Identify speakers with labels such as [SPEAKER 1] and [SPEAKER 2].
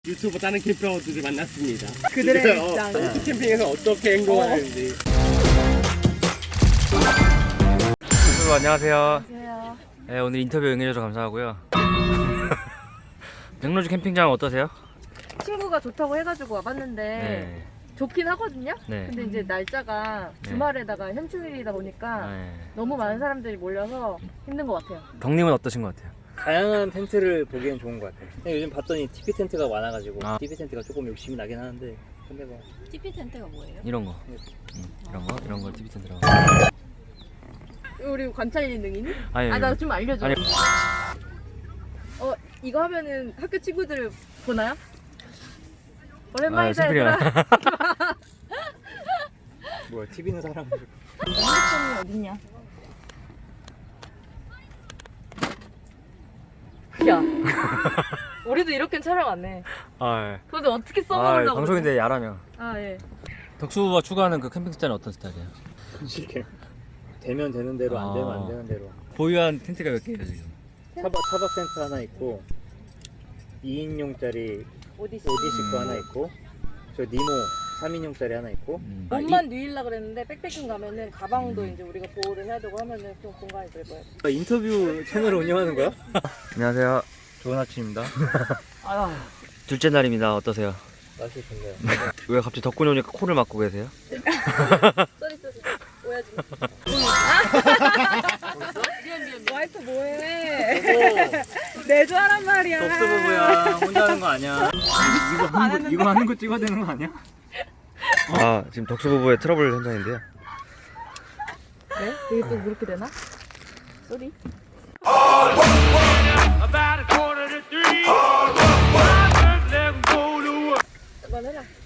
[SPEAKER 1] 유튜브 다른 캠핑어들을 만났습니다.
[SPEAKER 2] 그들의 일상.
[SPEAKER 1] 캠핑에서 어떻게 행동하는지.
[SPEAKER 3] 여러분 안녕하세요.
[SPEAKER 2] 안녕하세요.
[SPEAKER 3] 네, 오늘 인터뷰 응해주셔서 감사하고요. 백로주 캠핑장 어떠세요?
[SPEAKER 2] 친구가 좋다고 해가지고 와봤는데
[SPEAKER 3] 네.
[SPEAKER 2] 좋긴 하거든요.
[SPEAKER 3] 네.
[SPEAKER 2] 근데 이제 날짜가
[SPEAKER 3] 네.
[SPEAKER 2] 주말에다가 현충일이다 보니까
[SPEAKER 3] 네.
[SPEAKER 2] 너무 많은 사람들이 몰려서 힘든 것 같아요.
[SPEAKER 3] 덕님은 어떠신 것 같아요?
[SPEAKER 4] 다양한 텐트를 보기엔 좋은 것 같아요. 근데 요즘 봤더니 TP 텐트가 많아가지고
[SPEAKER 3] 아.
[SPEAKER 4] TP 텐트가 조금 욕심이 나긴 하는데 근데 뭐
[SPEAKER 2] TP 텐트가 뭐예요?
[SPEAKER 3] 이런 거. 이런 걸 TV 텐트라고.
[SPEAKER 2] 우리 관찰인 능이니?
[SPEAKER 3] 아니,
[SPEAKER 2] 나 좀 알려줘.
[SPEAKER 3] 아니.
[SPEAKER 2] 이거 하면은 학교 친구들 보나요? 오랜만이다
[SPEAKER 3] 심플이야.
[SPEAKER 2] 얘들아.
[SPEAKER 4] 뭐야 TV는 사람
[SPEAKER 2] 핸드폰이 어딨냐? 야, 우리도 이렇게 촬영 안 해.
[SPEAKER 3] 아,
[SPEAKER 2] 근데 어떻게 써먹으려고?
[SPEAKER 3] 방송인데 야라며.
[SPEAKER 2] 아 예.
[SPEAKER 3] 덕수가 추구하는 그 캠핑 스타일은 어떤 스타일이에요?
[SPEAKER 4] 솔직히 되면 되는 대로 안 되면 안 되는 대로
[SPEAKER 3] 보유한 텐트가 몇 개예요 지금?
[SPEAKER 4] 차박 텐트 하나 있고 2인용짜리
[SPEAKER 2] 오디시.
[SPEAKER 4] 오디시 거 하나 있고 저 니모 3인용짜리 하나 있고
[SPEAKER 2] 옷만 누일라 그랬는데 백패킹 가면은 가방도 이제 우리가 보호를 해야 되고 하면은 좀 공간이 넓어요.
[SPEAKER 4] 인터뷰 채널을 운영하는 거야?
[SPEAKER 3] 안녕하세요.
[SPEAKER 4] 좋은 아침입니다.
[SPEAKER 3] 둘째 날입니다. 어떠세요?
[SPEAKER 4] 날씨 좋네요.
[SPEAKER 3] 왜 갑자기 덕분이 오니까 코를 막고 계세요?
[SPEAKER 2] 쏘리 오야지. 미안. 와이프 뭐해? 내조하란 말이야.
[SPEAKER 4] 덥스 부부야 혼자 하는 거 아니야? 이거 하는 거 찍어야 되는 거 아니야?
[SPEAKER 3] 아, 지금 덕수 부부의 트러블 현장인데요.
[SPEAKER 2] 네? 이게 또 그렇게 되나? 쏘리. 그만해라.